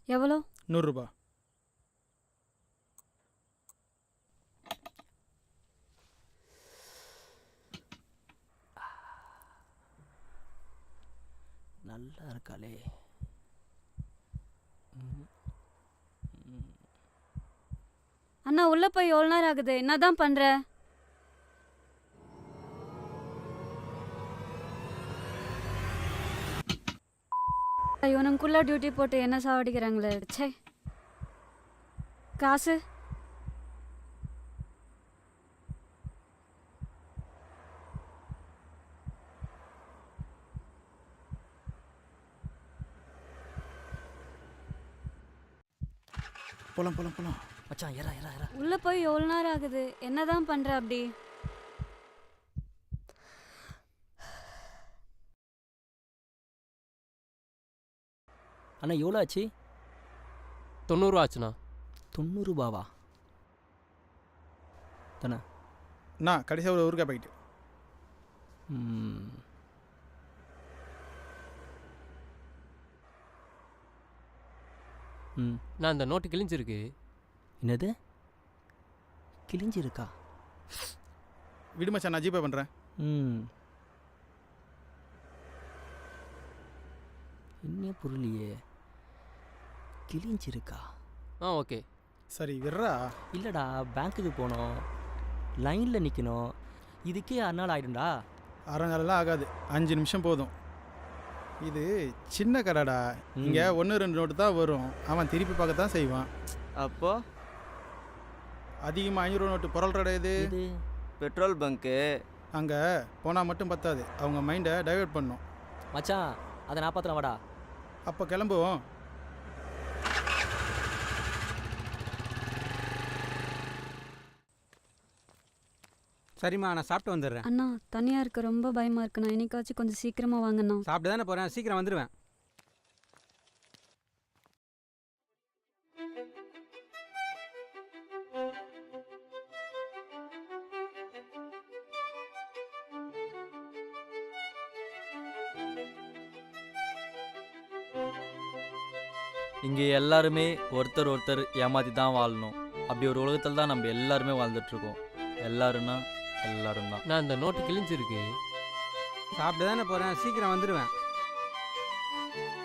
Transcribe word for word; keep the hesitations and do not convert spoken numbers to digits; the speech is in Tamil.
எவ்வளோ? நூறுரூபா. நல்லா இருக்காளே. அண்ணா உள்ள போய் எவ்வளோ நேரம் ஆகுது? என்னதான் பண்ற? இவனுக்குள்ள டியூட்டி போட்டு என்ன சாவடிக்கிறாங்களே. ச்சே. காசு போலாம் போலாம் போலாம். மச்சான் ஏறா ஏறா ஏறா. உள்ள போய் எவ்வளோ நேரம் ஆகுது? என்னதான் பண்ற அப்படி? அண்ணா எவ்வளோ ஆச்சு? தொண்ணூறுவா ஆச்சுண்ணா. தொண்ணூறுபாவா தானே? அண்ணா கடைசியாக ஒரு ஊருக்கா பாக்கெட்டு. ம் ம் நான் இந்த நோட்டு கிழிஞ்சிருக்கு. என்னது கிழிஞ்சிருக்கா? விடு மச்சான், நான் ஜிபே பண்ணுறேன். ம் என்ன புரியலையே. கிழிஞ்சிருக்கா? ஆ ஓகே. சரி விட்றா. இல்லைடா, பேங்க்குக்கு போகணும், லைனில் நிற்கணும், இதுக்கே அரை நாள் ஆகிடும்டா. அரை நாளெல்லாம் ஆகாது, அஞ்சு நிமிஷம் போதும். இது சின்ன கடைடா, இங்கே ஒன்று ரெண்டு நோட்டு தான் வரும். அவன் திருப்பி பார்க்க தான் செய்வான். அப்போ அதிகமாக ஐநூறு நோட்டு புரள்றடா இது. இது பெட்ரோல் பங்க்கு. அங்கே போனால் மட்டும் பத்தாது, அவங்க மைண்டை டைவெர்ட் பண்ணும். மச்சான் அதை நான் பார்த்துறேன், வாடா. அப்போ கிளம்புவோம். சரிம்மா, நான் சாப்பிட்டு வந்துடுறேன். அண்ணா தனியா இருக்க ரொம்ப பயமா இருக்குண்ணா. இன்னைக்காச்சும் கொஞ்சம் சீக்கிரமா வாங்கண்ணா. சாப்பிட்டு தானே போகிறேன், சீக்கிரம் வந்துடுவேன். இங்கே எல்லாருமே ஒருத்தர் ஒருத்தர் ஏமாற்றி தான் வாழணும். அப்படி ஒரு உலகத்தில் தான் நம்ம எல்லாருமே வாழ்ந்துட்டுருக்கோம். எல்லாருன்னா எல்லாரும் தான். நான் இந்த நோட்டு கிழிஞ்சிருக்கு. சாப்பிட்டு தானே போகிறேன், சீக்கிரம் வந்துடுவேன்.